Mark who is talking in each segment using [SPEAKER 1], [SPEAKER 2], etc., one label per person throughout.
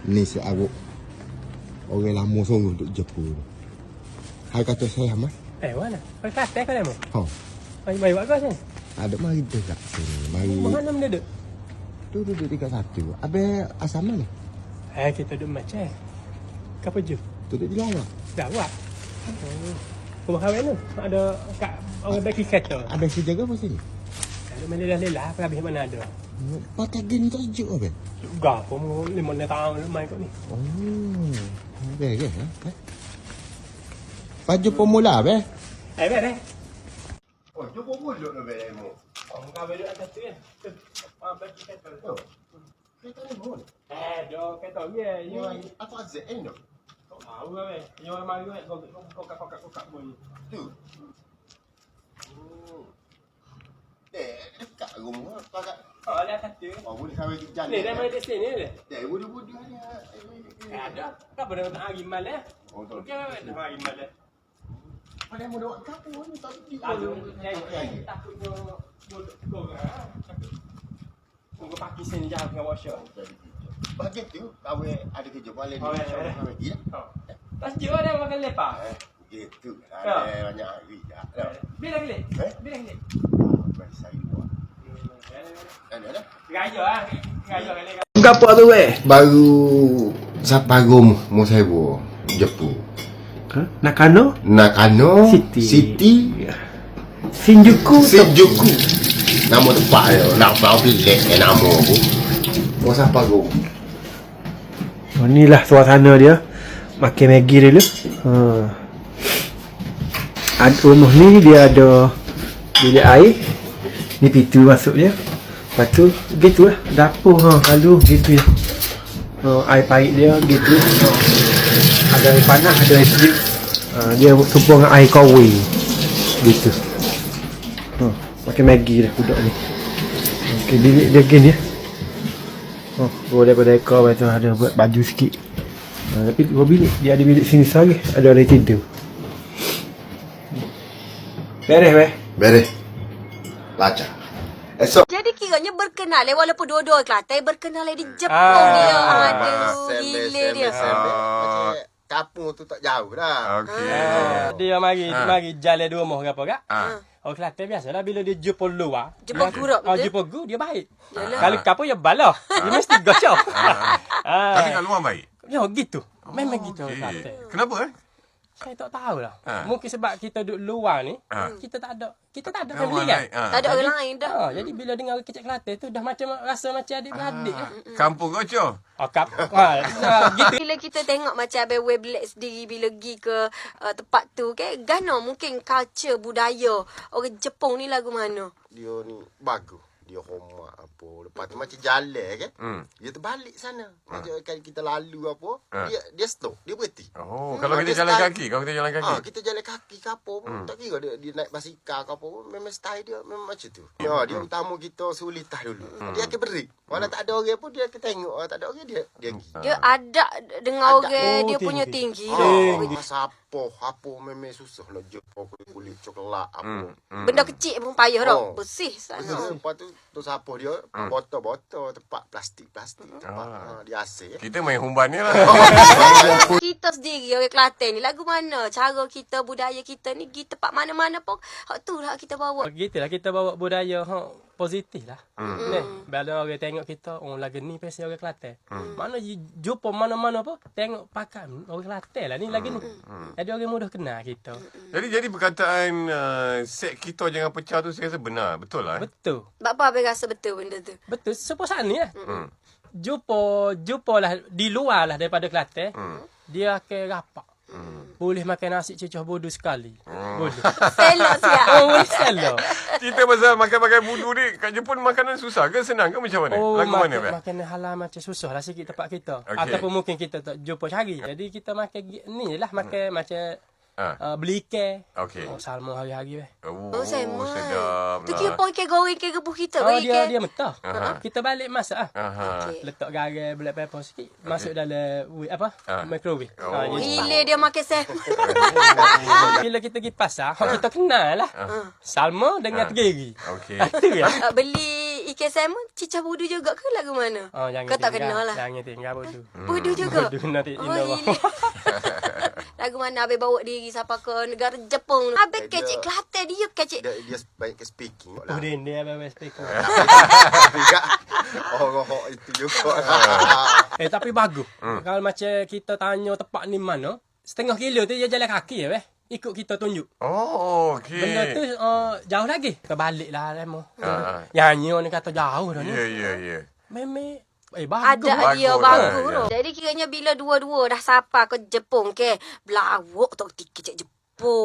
[SPEAKER 1] Ni si Aruk. Orang lama sungguh duk Jepun. Hai kata saya mah.
[SPEAKER 2] Mana? Kau Kelantan kau lama?
[SPEAKER 1] Ha.
[SPEAKER 2] Mari buat kau sini.
[SPEAKER 1] Ada mari dekat sini. Mari.
[SPEAKER 2] Mana mana duduk?
[SPEAKER 1] Tu duduk dekat satu. Habis asal mana?
[SPEAKER 2] Kita duduk macam. Kau je?
[SPEAKER 1] Duduk di lawak.
[SPEAKER 2] Lawak. Rumah kahwin tu. Ada kat orang bagi kereta.
[SPEAKER 1] Habis si jaga apa sini?
[SPEAKER 2] Ada mana dah lelah. Habis mana ada?
[SPEAKER 1] Pakai gini tak sejuk apa?
[SPEAKER 2] Gak pun 5 tahun main kat ni.
[SPEAKER 1] Oh. Beres ha? Baju pemula be?
[SPEAKER 2] Beres.
[SPEAKER 1] Oh, tu pemula dah beres mo.
[SPEAKER 2] Oh, kau duduk atas tu kan? Tu. Bagi kereta tu.
[SPEAKER 1] Kereta ni mo.
[SPEAKER 2] Ada kereta dia. You
[SPEAKER 1] Apa ZN tu?
[SPEAKER 2] tak tahu lah weh. You mari weh. Kau kakak boleh.
[SPEAKER 1] Tu. Dekat rumah pakai.
[SPEAKER 2] Oh, ada atas tu.
[SPEAKER 1] Oh, boleh sampai jalan.
[SPEAKER 2] Ni dah main di sini ni.
[SPEAKER 1] Budak-budak ni.
[SPEAKER 2] Ada. Kau pernah tak hari malam?
[SPEAKER 1] Oh, tu.
[SPEAKER 2] Okey, dah hari malam.
[SPEAKER 1] Pada mau buat kapur ni tak pergi.
[SPEAKER 2] Aduh, takutnya bodoh kau kan. Kau pakai sini jauh dengan washer.
[SPEAKER 1] Bagi tu, kau ada kerja balik ni.
[SPEAKER 2] Oh,
[SPEAKER 1] Kau pergi dah.
[SPEAKER 2] Tak sejuk ada makan lepak.
[SPEAKER 1] Gitu. Ada banyak hari dah.
[SPEAKER 2] Bila kelip? Bila kelip?
[SPEAKER 1] Baik saya buat. Ada.
[SPEAKER 2] Raya ah. Raya kali.
[SPEAKER 3] Apa tu weh?
[SPEAKER 1] Baru Sapagum mau saya buat Jepun.
[SPEAKER 3] Nakano?
[SPEAKER 1] Nakano
[SPEAKER 3] City.
[SPEAKER 1] City.
[SPEAKER 3] Shinjuku.
[SPEAKER 1] Shinjuku. Nama tempat dia. Nak pilih nama aku. Mau Sapagum.
[SPEAKER 3] Oh, inilah suasana dia. Makan Maggi dulu. Rumah ni dia ada bilik air. Ni pintu masuk dia. Lepas tu gitulah dapur lalu gitu ya. Air parit dia gitu. Ada air panas, ada air sejuk. Dia tumpul dengan air kawi. Gitu. Makan Maggi dah budak ni. Okey, bilik dia gini ya. Boleh ekor lepas tu ada buat baju sikit. Tapi dua bilik. Dia ada bilik sini lagi. Ada orang tidur. Beres weh.
[SPEAKER 1] Beres. Lancar. Esok.
[SPEAKER 4] Jadi kiranya berkenal walaupun dua-dua Kelantan berkenal di Jepun dia. Aduh, gila dia.
[SPEAKER 1] Kampung tu tak jauh dah.
[SPEAKER 2] Okey. Dia mari jalan dua rumah ke apa kak? Orang Kelantan biasalah bila dia jumpa luar.
[SPEAKER 4] Jumpa guruk betul?
[SPEAKER 2] Jumpa gu dia baik.
[SPEAKER 4] Yalah.
[SPEAKER 2] Kalau kapur dia balah. Dia mesti gocok.
[SPEAKER 5] Tapi kat luar baik.
[SPEAKER 2] Ya gitu. Memang gitu orang Kelantan.
[SPEAKER 5] Kenapa
[SPEAKER 2] Saya tak tahu lah. Mungkin sebab kita duduk luar ni, kita tak ada family kan.
[SPEAKER 4] Tak ada orang lain dah.
[SPEAKER 2] Jadi bila dengar orang kecil Kelantan tu dah macam rasa macam adik-beradik lah.
[SPEAKER 5] Kampung kau Coh?
[SPEAKER 2] Gitu.
[SPEAKER 4] Bila kita tengok macam Abang Wei Black sendiri bila pergi ke tempat tu kan, gano mungkin culture budaya orang Jepun ni lagu mana?
[SPEAKER 1] Dia ni bagus. Dia hormat apa. Lepas tu macam jalan kan. Dia terbalik sana. Macam kan kita lalu apa. Dia stop. Dia berhenti.
[SPEAKER 5] Oh, kalau kita jalan kaki. Kalau kita jalan kaki.
[SPEAKER 1] Kita jalan kaki ke apa pun. Tak kira dia naik basikal ke apa pun. Memang style dia memang macam tu. Dia utama kita sulitah dulu. Dia akan break. Walau tak ada orang pun dia akan tengok. Tak ada orang dia pergi.
[SPEAKER 4] Dia ada dengan orang dia punya tinggi.
[SPEAKER 1] Masa apa memang susah nak jumpa kulit coklat apa.
[SPEAKER 4] Benda kecil pun payah dah. Bersih sana.
[SPEAKER 1] Lepas tu siapa dia botol-botol tempat plastik tempat dia asing.
[SPEAKER 5] Kita main humban ni lah.
[SPEAKER 4] Kita sendiri orang Kelantan ni lagu mana? Cara kita, budaya kita ni pergi tempat mana-mana pun hak tu lah kita bawa.
[SPEAKER 2] Gitulah kita bawa budaya positif lah. Bila orang tengok kita, lagu ni pasti orang Kelantan. Mana jumpa mana-mana pun tengok pakai orang Kelantan lah ni lagu ni. Jadi orang mudah kenal kita.
[SPEAKER 5] Jadi perkataan set kita jangan pecah tu saya rasa benar. Betul lah.
[SPEAKER 2] Betul.
[SPEAKER 4] Sebab apa abang rasa betul benda tu?
[SPEAKER 2] Betul. Sepuasan ni lah. Jumpa lah di luar lah daripada Kelantan. Dia akan rapat. Boleh makan nasi cucah bodoh sekali. Boleh.
[SPEAKER 4] Selok siap.
[SPEAKER 2] Boleh selok.
[SPEAKER 5] Cerita pasal makan-makan budu ni kat Jepun makanan susah ke senang ke macam mana? Lagu mana
[SPEAKER 2] makanan halal macam susah lah sikit tempat kita.
[SPEAKER 5] Okay.
[SPEAKER 2] Ataupun mungkin kita tak jumpa cari. Jadi kita makan ni lah makan macam beli ikan.
[SPEAKER 5] Okey.
[SPEAKER 2] Salmon hari-hari weh.
[SPEAKER 4] Oh, sama.
[SPEAKER 5] Sedap
[SPEAKER 4] Tu
[SPEAKER 5] lah.
[SPEAKER 4] kira pun ikan goreng, ikan rebus kita.
[SPEAKER 2] Dia mentah. Kita balik masak
[SPEAKER 4] Okay.
[SPEAKER 2] letak garam, black pepper sikit, masuk dalam microwave.
[SPEAKER 4] Gila dia makan salmon.
[SPEAKER 2] Bila kita pergi pasar, kita kenal lah. Salmon dengan tegiri.
[SPEAKER 5] Okey.
[SPEAKER 2] Itu ya.
[SPEAKER 4] Beli KSM Cicah Budu juga ke lagu mana?
[SPEAKER 2] Oh, jangan
[SPEAKER 4] Kau tak
[SPEAKER 2] tinggal.
[SPEAKER 4] kenal lah.
[SPEAKER 2] Jangan tinggal bodoh.
[SPEAKER 4] Budu juga?
[SPEAKER 2] Bodoh kena tik
[SPEAKER 4] Oh,
[SPEAKER 2] Indo.
[SPEAKER 4] gila. Lagu mana Habis bawa diri sampai ke negara Jepun? Habis kecik Kelantan dia kecik.
[SPEAKER 1] Dia baik ke speaking
[SPEAKER 2] Oh,
[SPEAKER 1] lah.
[SPEAKER 2] dia abang speaker.
[SPEAKER 1] Tapi tak orang itu juga.
[SPEAKER 2] Tapi bagus. Kalau macam kita tanya tempat ni mana, setengah kilo tu dia jalan kaki ya, ikut kita tunjuk.
[SPEAKER 5] Oh, okey.
[SPEAKER 2] Benda tu jauh lagi. Kita balik lah Remo.
[SPEAKER 5] Ha.
[SPEAKER 2] Nyanyi orang ni kata jauh dah ni.
[SPEAKER 5] Ya.
[SPEAKER 2] Memang bagus.
[SPEAKER 4] Ada dia
[SPEAKER 5] Bagus
[SPEAKER 4] bagus
[SPEAKER 5] lah,
[SPEAKER 4] tu. Jadi kiranya bila dua-dua dah sapa ke Jepun ke, belawak tak kecik Jepun.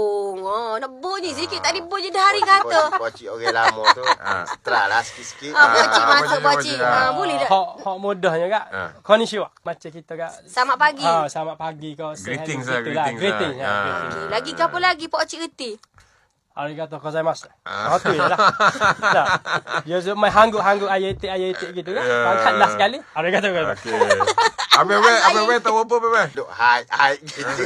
[SPEAKER 4] Nak bunyi sikit. Tadi bunyi dah hari kata.
[SPEAKER 1] Pocik orang lama tu. Setelah lah sikit-sikit.
[SPEAKER 4] Bocik masuk
[SPEAKER 5] bocik.
[SPEAKER 4] bocik. Boleh tak?
[SPEAKER 2] Hak mudahnya kak. Konnichiwa. Macam kita kak.
[SPEAKER 4] Selamat pagi.
[SPEAKER 2] Selamat pagi kau.
[SPEAKER 5] Greetings
[SPEAKER 2] lah.
[SPEAKER 5] lah, greetings lah.
[SPEAKER 4] Okey, lagi ke apa lagi Pak Cik reti?
[SPEAKER 2] Arigatou gozaimasu. Tu je lah. Tak. Dia main hangguk-hangguk ayat gitu kan. Angkat last sekali. Arigatou gozaimasu.
[SPEAKER 5] Okey. Abang tahu apa abang?
[SPEAKER 1] Duk hai gitu.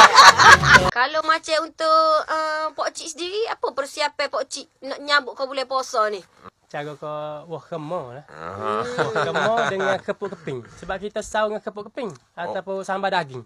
[SPEAKER 4] Kalau macam untuk Pak Cik sendiri, apa persiapan Pak Cik nak nyambut kau bulan puasa ni?
[SPEAKER 2] Cara kau wah kemo lah. Wah kemo dengan kepuk keping. Sebab kita sahur dengan kepuk keping. Ataupun sambal daging.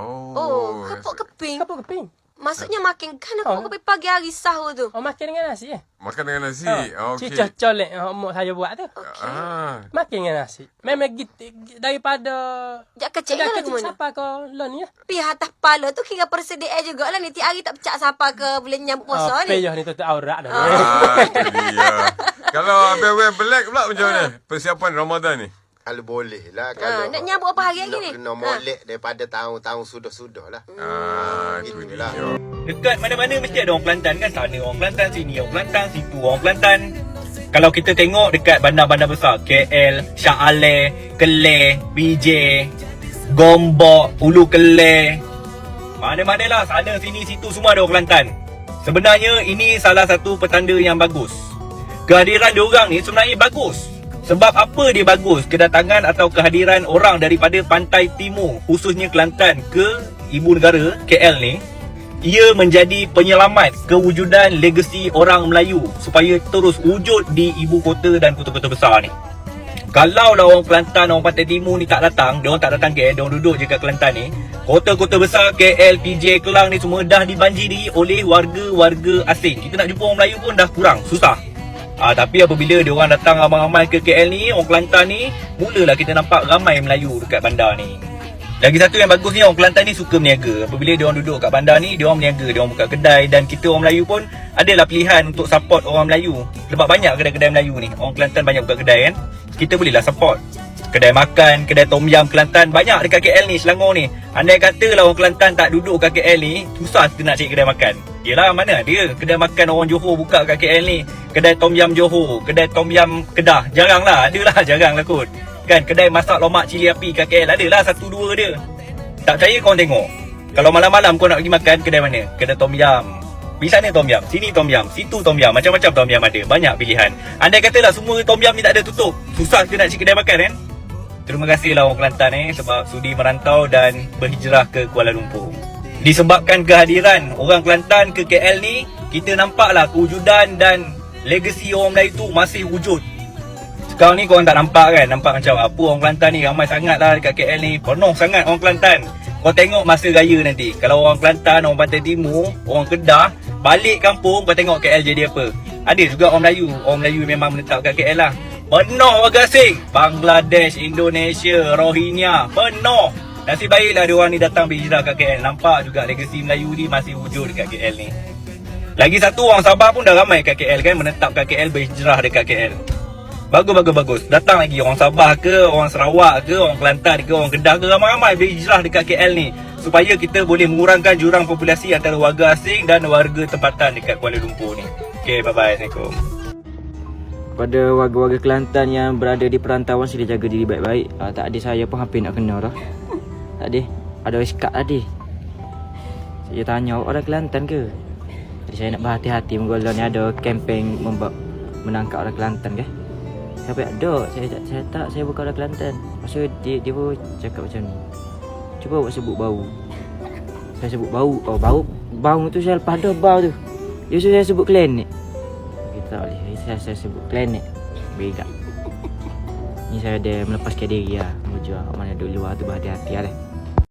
[SPEAKER 4] Oh, kepuk keping.
[SPEAKER 2] Kepuk keping.
[SPEAKER 4] Maksudnya makan kan kepuk keping pagi hari sahur tu.
[SPEAKER 2] Oh, makan dengan nasi
[SPEAKER 5] Makan dengan nasi. Okey.
[SPEAKER 2] Cicah colek mak saya buat tu. Makan dengan nasi. Memang daripada
[SPEAKER 4] Jak kecil kan lagu mana?
[SPEAKER 2] siapa kau lon ni?
[SPEAKER 4] Pi atas kepala tu kira persediaan jugalah ni. Tiap hari tak pecah siapa ke bulan nyambut puasa ni.
[SPEAKER 2] Peyah ni tutup aurat dah.
[SPEAKER 5] Itu dia. Kalau abang black pula macam mana? Persiapan Ramadan ni.
[SPEAKER 1] Kalau boleh lah. Kalau
[SPEAKER 4] nak nyambut apa hari lagi ni?
[SPEAKER 1] Kena molek daripada tahun-tahun sudah-sudah lah.
[SPEAKER 5] Itu
[SPEAKER 1] Gitu
[SPEAKER 5] dia.
[SPEAKER 1] lah.
[SPEAKER 6] Dekat mana-mana mesti ada orang Kelantan kan. Sana orang Kelantan, sini orang Kelantan, situ orang Kelantan. Kalau kita tengok dekat bandar-bandar besar, KL, Shah Alam, Keleh, PJ, Gombak, Ulu Keleh, mana-mana lah, sana sini situ semua ada orang Kelantan. Sebenarnya ini salah satu petanda yang bagus. Kehadiran diorang ni sebenarnya bagus. Sebab apa dia bagus? Kedatangan atau kehadiran orang daripada pantai timur, khususnya Kelantan, ke ibu negara KL ni, ia menjadi penyelamat kewujudan legasi orang Melayu supaya terus wujud di ibu kota dan kota-kota besar ni. Kalau lah orang Kelantan, orang pantai timur ni tak datang, diorang tak datang KL, diorang duduk je kat Kelantan ni, kota-kota besar KL, PJ, Kelang ni semua dah dibanjiri oleh warga-warga asing. Kita nak jumpa orang Melayu pun dah kurang, susah. Tapi apabila diorang datang ramai-ramai ke KL ni, orang Kelantan ni, mulalah kita nampak ramai Melayu dekat bandar ni. Lagi satu yang bagus ni, orang Kelantan ni suka berniaga. Apabila diorang duduk kat bandar ni, diorang berniaga, diorang buka kedai. Dan kita orang Melayu pun adalah pilihan untuk support orang Melayu. Sebab banyak kedai-kedai Melayu ni, orang Kelantan banyak buka kedai kan. Kita bolehlah support. Kedai makan, kedai tom yam Kelantan, banyak dekat KL ni, Selangor ni. Andai katalah orang Kelantan tak duduk kat KL ni, susah kita nak cari kedai makan. Yelah, mana ada kedai makan orang Johor buka kat KL ni. Kedai tom yam Johor, kedai tom yam Kedah, jarang lah, adalah jarang lah kot. Kan, kedai masak lomak cili api kat KL, adalah 1-2 dia. Tak percaya korang tengok. Kalau malam-malam kau nak pergi makan, kedai mana? Kedai tom yam. Di sana tom yam, sini tom yam, situ tom yam, macam-macam tom yam ada, banyak pilihan. Andai katalah semua tom yam ni tak ada tutup, susah kita nak cari kedai makan kan. Terima kasihlah orang Kelantan sebab sudi merantau dan berhijrah ke Kuala Lumpur. Disebabkan kehadiran orang Kelantan ke KL ni, kita nampaklah kewujudan dan legasi orang Melayu tu masih wujud. Sekarang ni korang tak nampak kan, nampak macam apa orang Kelantan ni ramai sangat lah dekat KL ni, penuh sangat orang Kelantan. Kau tengok masa raya nanti, kalau orang Kelantan, orang Pantai Timur, orang Kedah balik kampung, kau tengok KL jadi apa. Ada juga orang Melayu memang menetap kat KL lah. Penuh warga asing, Bangladesh, Indonesia, Rohingya, penuh. Nasib baiklah diorang ni datang berhijrah kat KL. Nampak juga legasi Melayu ni masih wujud dekat KL ni. Lagi satu, orang Sabah pun dah ramai kat KL kan, menetap kat KL, berhijrah dekat KL. Bagus. Datang lagi orang Sabah ke, orang Sarawak ke, orang Kelantan ke, orang Kedah ke, ramai-ramai berhijrah dekat KL ni. Supaya kita boleh mengurangkan jurang populasi antara warga asing dan warga tempatan dekat Kuala Lumpur ni. Okay, bye-bye. Assalamualaikum.
[SPEAKER 7] Kepada warga-warga Kelantan yang berada di perantauan, sila jaga diri baik-baik. Tak ada, saya pun hampir nak kena dah. Tak ada iskat tadi. Saya tanya, orang Kelantan ke? Jadi saya nak berhati-hati, menggolah ni ada kempen menangkap orang Kelantan ke? Saya ada, saya bukan orang Kelantan. Lepas tu dia pun cakap macam ni. Cuba awak sebut bau. Saya sebut bau. Oh, bau tu saya lepas dah bau tu. Dia suruh saya sebut klinik. Kita tak boleh. Saya sebut klinik. Bega. Ni saya ada melepaskan diri lah. Menuju mana duduk luar tu berhati-hati lah.